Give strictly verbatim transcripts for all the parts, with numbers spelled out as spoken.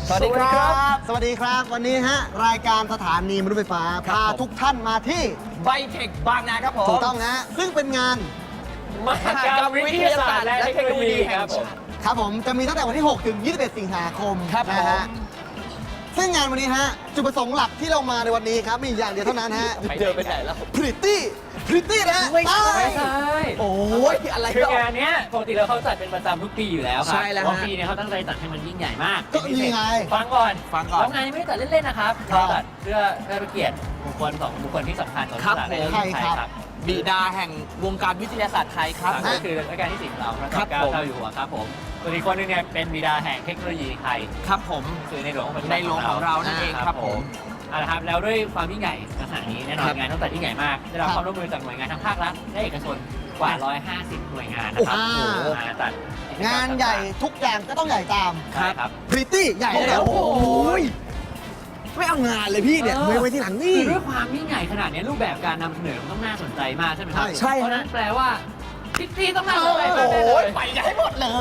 สวัสดีครับสวัสดีครับวันนี้ฮะรายการสถานีมนุษย์ไฟฟ้าพาทุกท่านมาที่ไบเทคบางนาครับผมถูกต้องฮะซึ่งเป็นงานมหกรรมวิทยาศาสตร์และเทคโนโลยีครับผมครับผมจะมีตั้งแต่วันที่ หก ถึง ยี่สิบเอ็ด สิงหาคมครับนะฮะซึ่งงานวันนี้ฮะจุดประสงค์หลักที่เรามาในวันนี้ครับมีอย่างเดียวเท่านั้นฮะเจอไปไหนแล้วพริตตี้พริตตี้นะฮะไม่ใช่ไปไม่ใช่โอ้ยอะไรคือก็งานเนี้ยปกติแล้วเขาจัดเป็นประจำทุกปีอยู่แล้วครับใช่แล้วฮะเพราะปีเนี้ยเขาตั้งใจจัดให้มันยิ่งใหญ่มากก็นี่ไงฟังก่อนฟังก่อนแล้วงานนี้ไม่ได้จัดเล่นๆนะครับครับเราจัดเพื่อเพื่อเกียรติบุคคลสองบุคคลที่สำคัญของครับตลาดในผมประเทศไทยใครครับครับบิดาแห่งวงการวิทยาศาสตร์ไทยครับครับก็คือรัชกาลที่สิบของเราพระครัเจ้าบเก้าผมเจ้าอยู่หัวครับผมส่วนอีกคนนึงเนี่ยเป็นบิดาแห่งเทคโนโลยีไทยครับผมคือในหลวงของปัจจุบัในหลวงของเรานั่นเองครับผมเอาละครับแล้วด้วยความยิ่งใหญ่ขนาดนี้แน่นอครันบงานต้องจัดยิ่งใหญ่มากได้รับครับความร่วมมือจากหน่วยงานทั้งภาครัฐและเอกชนกว่า หนึ่งร้อยห้าสิบ หน่วยงานนะครับโอ้โหโอ้โหมาจัดกิจกรรมงานใหญ่ทุกอย่างก็ต้องใหญ่ตามใช่ครับพริตตี้ใหญ่แล้วโอ้โหไม่เอางานเลยพี่เนี่ยเออไว้ไว้ที่หลังนี่คือด้วยความยิ่งใหญ่ขนาดนี้รูปแบบการนำเสนอมันต้องน่าสนใจมากใช่ไหมครับใช่เพราะฉะนั้นแปลว่าพิตตี้ต้องน่าสนใจโอ้แน่โหๆเลยไปกันให้หมดเลย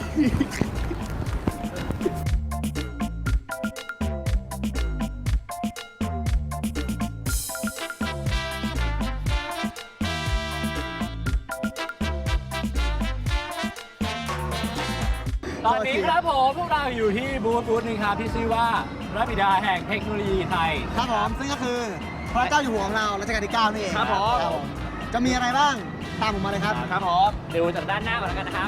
ตอนนี้ครับผมพวกเราอยู่ที่บูธบูธหนึงครับที่ชื่อว่าพระบิดาแห่งเทคโนโลยีไทยครับผมซึ่งก็คือพระเจ้าอยู่หัวของเรารัชกาลที่เก้านี่เองครับผมจะมีอะไรบ้างตามผมมาเลยครับครับผมดูจากด้านหน้าก่อนแล้วกันนะครับ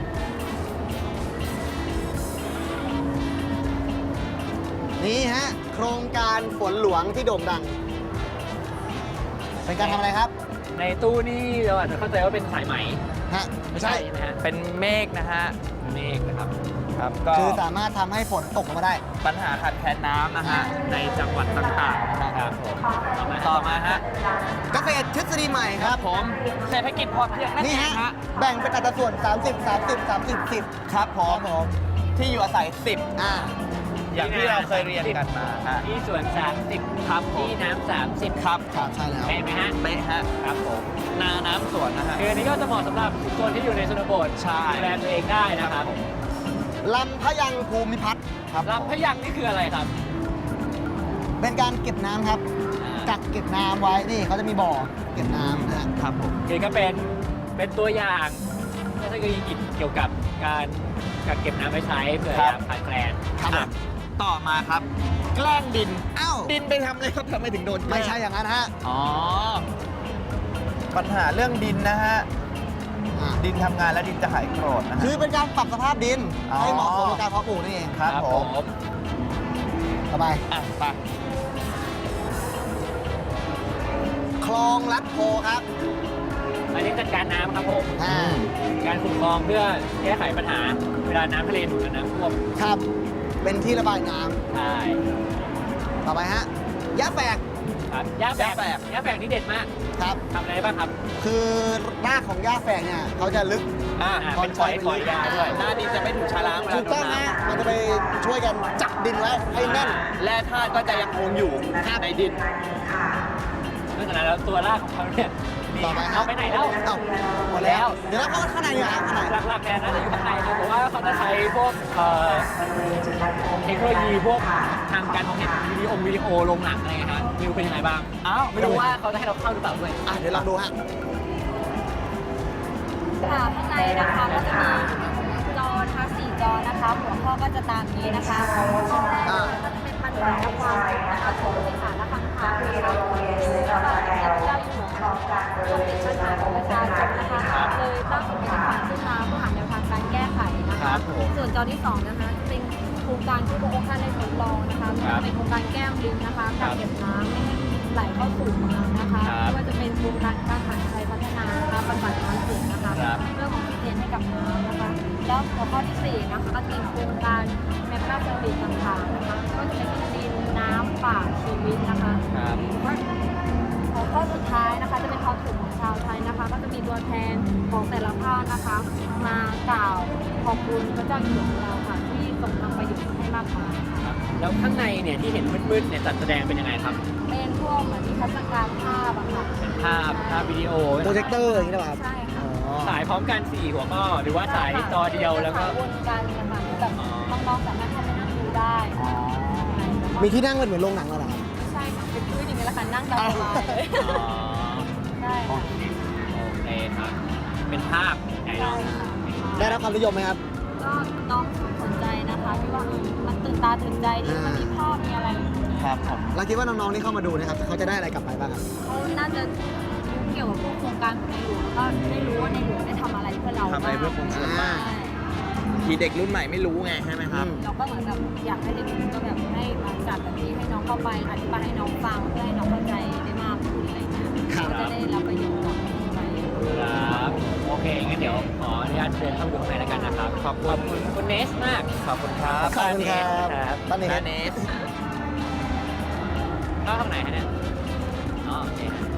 นี่ฮะโครงการฝนหลวงที่โด่งดัง เป็นการทำอะไรครับในตู้นี่เราอาจจะเข้าใจว่าเป็นสายไหมฮะไม่ใช่ใช่ไหมฮะเป็นเมฆนะฮะเมฆนะครับครับก็คือสามารถทำให้ฝนตกลงมาได้ปัญหาขาดแคลนน้ำนะฮะในจังหวัดต่างๆนะครับผมต่อมาต่อมาฮะเกษตรทฤษฎีใหม่ครับผมเศรษฐกิจพอเพียงนั่นนี่เอฮะงฮะแบ่งเป็นอัตราส่วน สามสิบ สามสิบ สามสิบ สิบครับผครัมบผมที่อยู่อาศัยสิบอ่าอย่างที่เราเคยเรียนกันมาฮะที่สวนสามสิบครับที่น้ำสามสิบครับครับใช่แล้วเห็นไหมฮะเป๊ะฮะครับผมนาน้ำสวนนะฮะคืออันนี้ก็จะเหมาะสำหรับคนที่อยู่ในชนบทใช่ดูแลตัวเองได้นะครับลำพะยังภูมิพัฒน์ครับลำพะยังนี่คืออะไรครับเป็นการเก็บน้ำครับ กักเก็บน้ำไว้ นี่เขาจะมีบ่อเก็บน้ำนะฮะครับผมคือก็เป็นเป็นตัวอย่างเทคโนโลยีกิจเกี่ยวกับการกักเก็บน้ำไว้ใช้เผื่อครัยาบมขาดแคลนครับผอ่ะมต่อมาครับ แกล้งดินอ้าวดินไปทำอะไรครับทำไมถึงโดนแกล้งไม่ใช่อย่างนั้นฮะอ๋อ ปัญหาเรื่องดินนะฮะอ่าดินทำงานแล้วดินจะหายโกรธนะฮะคือเป็นการปรับสภาพดินอ๋อให้เหมาะสมกับการเพาะปลูกนี่เองครับผมต่อไปอ่ะไปคลองลัดโพครับอันนี้จัดการน้ำครับผมอ่าการขุดคลองเพื่อแก้ไขปัญหาเวลาน้ำทะเลหนุนและน้ำท่วมครับ เป็นที่ระบายน้ำใช่ต่อไปฮะยะแฝกครับย่าแฝกย่าแฝกย่าแฝกนี่เด็ดมากครับทำอะไรได้บ้างครับคือรากของหญ้าแฝกเนี่ยเขาจะลึกอ่ะอ่าเป็นฝอยฝอยยาด้วยหน้าดินจะไม่ถูกชะล้างเวลาถูกโดต้อน งน้ฮะมันจะไปช่วยกันจับดินไว้ให้แน่นำแร่ธาตุก็จะยังคงอยู่ในดินนอกจากนั้นแล้วตัวรากของเขาเนี่ยนี่ต่อไปฮะเอาไปไหนแล้วเอ้าหมดแล้ว เดี๋ยวเราเข้าข้างในดีกว่าครับข้างในหลักๆเนี่ยน่าจะอยู่ข้างในครับแต่ว่าเขาจะใช้พวกเอ่อเทคโนโลยีพวกทางการมองเห็นวิดีโอวิดีโอลงหนังอะไรเงี้ยฮะวิวเป็นยังไงบ้างอ้าวไม่รู้ว่าเขาจะให้เราเข้าหรือเปล่าด้วยอ่ะเดี๋ยวลองดูฮะค่ะข้างในนะคะก็จะมีจอนะคะสี่จอนะคะ หัวข้อก็จะตามนี้นะคะชิ้นแรกเลยก็จะเป็นปัญหาและความนะคะของสิขาและคำถามนะคะแล้วก็เทียบเจ้าอยู่หัวของการปกปิดปัญหาของประชาชนนะคะเลยตั้งเป็นฝ่ายขึ้นมาเพื่อหาแนวทางการแก้ไขนะครัคะบผมส่วนจอที่สองนะคะจะเป็นโครงการที่พระองค์ท่านได้ทดลองนะคะเป็นโครงการแก้มลิงนะคะกักเก็บน้ำไม่ให้ไหลเข้าสู่เมืองนะคะไม่ว่าจะเป็นโครงการการหารไทยพัฒนานะคะบำบัดน้ำเสียนะคะครับเรื่องของที่เรียนให้กับน้ำนะคะ แล้วหัวข้อที่สี่นะคะก็จะเป็นโครงการแมปหน้าเซอร์วิสต่างๆนะคะ ก็จะเป็นดินน้ำป่าชีวิตนะคะครับหัวข้อสุดท้ายนะคะจะเป็นความสุขของชาวไทยนะคะ ก็จะมีตัวแทนของแต่ละภาคนะคะ มากล่าวขอบคุณพระเจ้าอยู่หัวของเราค่ะที่ทรงทำประโยชน์ให้มากมายค่ะครับแล้วข้างในเนี่ยที่เห็นมืดๆเนี่ยจัดแสดงเป็นยังไงครับเป็นพวกเหมือนนิทรรศการภาพอะค่ะเป็นภาพภาพวิดีโอโปรเจคเตอร์อย่างนี้นะครับใช่ค่ะอ๋อฉายพร้อมกันสี่หัวข้อหรือว่าฉายจอเดียวแล้วก็วนกันนะคะแบบน้องๆสามารถเข้าไปนั่งดูได้มีที่นั่งเป็นเหมือนโรงหนังแล้วเหรอครับใช่ค่ะเป็นพื้นอย่างนี้แหละค่ะนั่งตามสบายเลยอ๋อใช่ค่ะโอเคครับ เป็นภาพไหนเนาะได้รับความนิยมไหมครับก็น้องสนใจนะคะที่ว่ามันตื่นตาตื่นใจดีมันมีภาพมีอะไรครับผมเราคิดว่าน้องๆที่เข้ามาดูนะครับเขาจะได้อะไรกลับไปบ้างครับเขาน่าจะรู้เกี่ยวกับพวกโครงการของในหลวงแล้วก็ได้รู้ว่าในหลวงได้ทำอะไรเพื่อเราทำอะไรเพื่อคนส่วนมากใช่ทีเด็กรุ่นใหม่ไม่รู้ไงใช่ไหมครับอืมเราก็เหมือนกับอยากให้เด็กๆก็แบบให้มาจัดแบบนี้ให้น้องเข้าไปอธิบายให้น้องฟังเพื่อให้น้องเข้าใจได้มากขึ้นอะไรอย่างเงี้ยครับเขาจะได้รับประโยชน์จากตรงนี้ไปครับ โอเค งั้นเดี๋ยวขออนุญาตเดินเข้าไปดูข้างในแล้วกันนะครับ ขอบคุณคุณเนสมากขอบคุณครับขอบคุณครับครับตอนนี้เนสเข้าทางไหนฮะเนี่ย อ๋อโอเคฮะ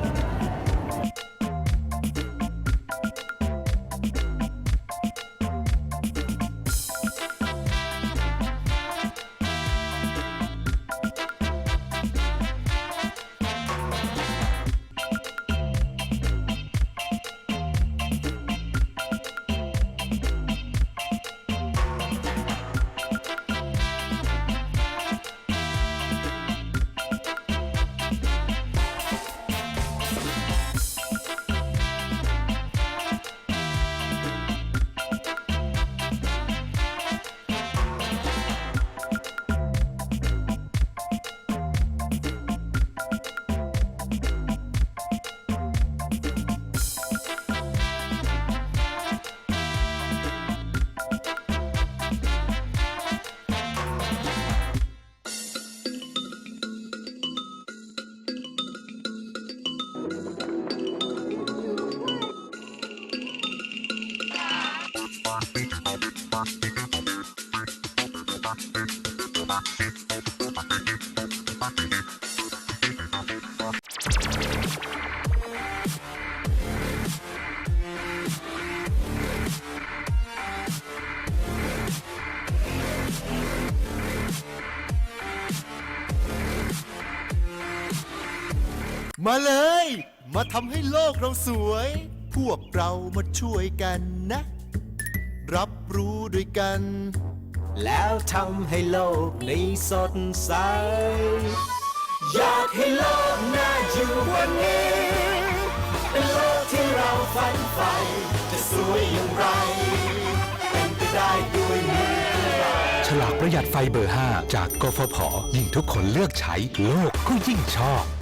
มาเลย มาทำให้โลกเราสวย พวกเรามาช่วยกันนะ รับรู้ด้วยกัน แล้วทำให้โลกนี้สดใส อยากให้โลกน่าอยู่กว่านี้ เป็นโลกที่เราฝันใฝ่จะสวยอย่างไร เป็นไปได้ด้วยมือเราฉลากประหยัดไฟเบอร์ ห้า จากกฟผ ยิ่งทุกคนเลือกใช้โลกก็ยิ่งชอบ